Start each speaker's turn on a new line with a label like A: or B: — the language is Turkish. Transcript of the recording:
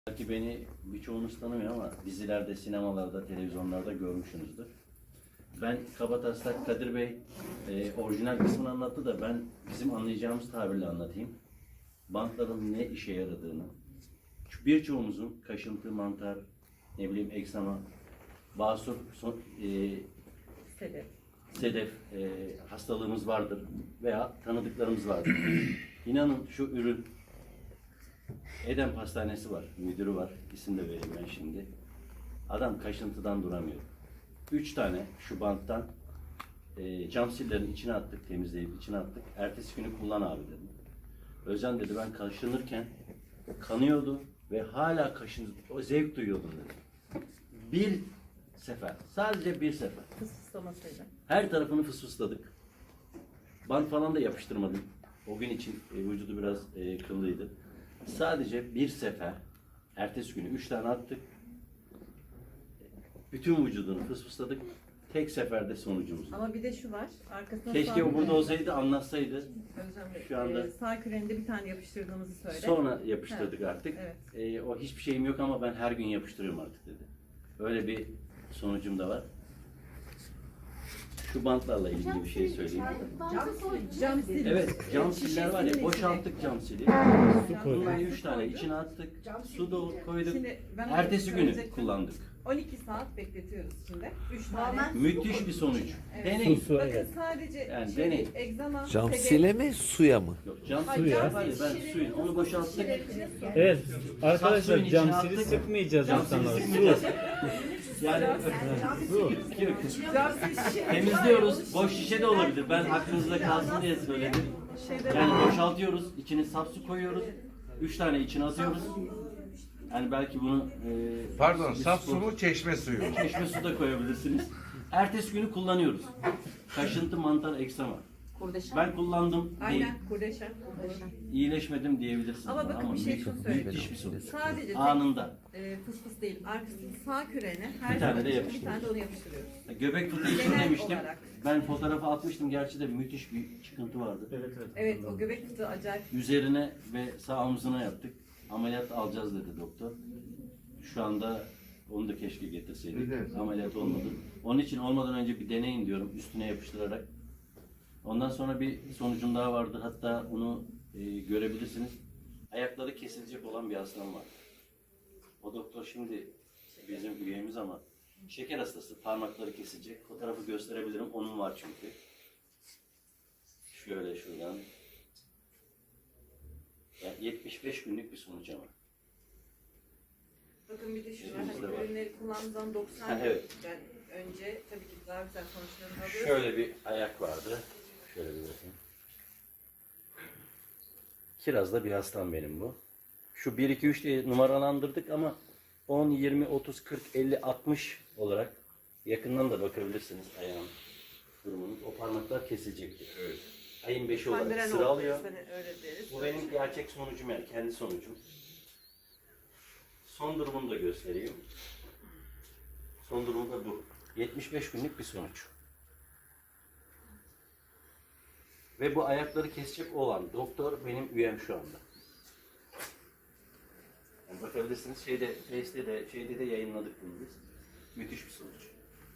A: Belki beni birçoğunuz tanımıyor ama dizilerde, sinemalarda, televizyonlarda görmüşsünüzdür. Ben kabataslak Kadir Bey orijinal kısmını anlattı da ben bizim anlayacağımız tabirle anlatayım. Bantların ne işe yaradığını, birçoğumuzun kaşıntı, mantar, ne bileyim eksama, basur, sedef hastalığımız vardır veya tanıdıklarımız vardır. İnanın şu ürün Edem Pastanesi var, müdürü var, isim de vereyim ben şimdi. Adam kaşıntıdan duramıyor. 3 tane şu banttan cam sillerin içine attık, temizleyip içine attık. Ertesi günü kullan abi dedim. Özcan dedi ben kaşınırken kanıyordu ve hala kaşındı, o zevk duyuyordum dedi. Bir sefer, sadece bir sefer.
B: Fısfıslamasıyla.
A: Her tarafını fısfısladık. Bant falan da yapıştırmadım. O gün için vücudu biraz kıllıydı. Sadece bir sefer, ertesi günü 3 tane attık. Bütün vücudunu fısfısladık. Tek seferde sonucumuz.
B: Ama bir de şu var. Arkasına
A: Keşke o burada olsaydı, anlatsaydı.
B: Özlem Bey,
A: Şu anda
B: sağ küreninde bir tane yapıştırdığımızı söyle.
A: sonra yapıştırdık
B: Evet,
A: artık.
B: evet.
A: O hiçbir şeyim yok ama ben her gün yapıştırıyorum artık dedi. Öyle bir sonucum da var. Şu bantlarla ilgili bir şey söyleyeyim.
B: Cam sil.
A: Evet, cam siller var ya, boşalttık cam sili. Bunları 3 tane içine attık, su koyduk.
B: Şimdi ben
A: Ertesi günü
B: söyleyecektim.
A: kullandık.
B: 12 saat bekletiyoruz içinde. 3 tane.
A: Müthiş bir sonuç.
B: Evet.
A: Deneyin.
B: Bakın sadece
A: Yani
B: şey,
A: deneyin.
B: egzama,
C: Cam
B: sedef-
C: sile mi suya mı?
A: Yok, cam
B: Ay,
A: sili
B: cam
A: var ya, ben
B: şişeleri
A: suyun, onu boşalttık.
D: Evet arkadaşlar
A: Suyun içine
D: cam sili
A: attık.
D: sıkmayacağız
A: Cam sili
D: insanlara.
A: sıkmayacağız. Yani temizliyoruz. Boş şişe de olabilir. Ben aklınızda kalsın diye söyledim. Yani boşaltıyoruz. İçine saf su koyuyoruz. 3 tane içine atıyoruz. Yani belki bunu
E: Pardon,
A: bir
E: saf
A: spor-
E: su mu, çeşme suyu mu?
A: çeşme su da koyabilirsiniz. Ertesi günü kullanıyoruz. Kaşıntı, mantar, eksama. Ben kullandım değil.
B: Aynen kurdeşen.
A: İyileşmedim diyebilirsiniz.
B: Ama
A: bana
B: bakın bir şey şunu söyleyeyim.
A: müthiş bir sonuç.
B: Sadece
A: Anında.
B: fıs fıs değil. Arkasının sağ kürene her
A: Bir tane
B: zaman
A: de
B: için bir
A: yapıştırıyoruz.
B: tane de onu yapıştırıyoruz.
A: Göbek fıtığı için
B: Genel
A: demiştim.
B: olarak.
A: Ben fotoğrafı atmıştım. Gerçi de müthiş bir çıkıntı vardı.
B: Evet o göbek fıtığı acayip.
A: Üzerine ve sağ omzuna yaptık. Ameliyat alacağız dedi doktor. Şu anda onu da keşke getirseydik.
E: Evet.
A: Ameliyat olmadı. Onun için olmadan önce bir deneyin diyorum üstüne yapıştırarak. Ondan sonra bir sonucum daha vardı. Hatta onu görebilirsiniz. Ayakları kesilecek olan bir hastam var. O doktor şimdi bizim üyemiz ama şeker hastası. Parmakları kesilecek. Fotoğrafı gösterebilirim. Onun var çünkü. Şöyle şuradan. Yani 75 günlük bir sonuç ama.
B: Bakın bir de şu var.
A: Elimizde var.
B: Hani ürünleri kullandığımdan 90
A: Ha, evet.
B: günden önce tabii ki daha güzel sonuçlarını alıyoruz.
A: Şöyle bir ayak vardı. Şöyle bir bakayım. Kiraz'da bir hastam benim bu. Şu 1, 2, 3 diye numaralandırdık ama 10, 20, 30, 40, 50, 60 olarak yakından da bakabilirsiniz ayağın durumunu. O parmaklar kesilecektir. Evet. Ayın 5'i olarak
B: Kanderen
A: sıra
B: oldu,
A: alıyor.
B: hani öyle deriz.
A: Bu benim gerçek sonucum yani kendi sonucum. Son durumunu da göstereyim. Son durumu da bu. 75 günlük bir sonuç. Ve bu ayakları kesecek olan doktor benim üyem şu anda. Yani bakabilirsiniz şeyde de yayınladık bunu biz. Müthiş bir sonuç.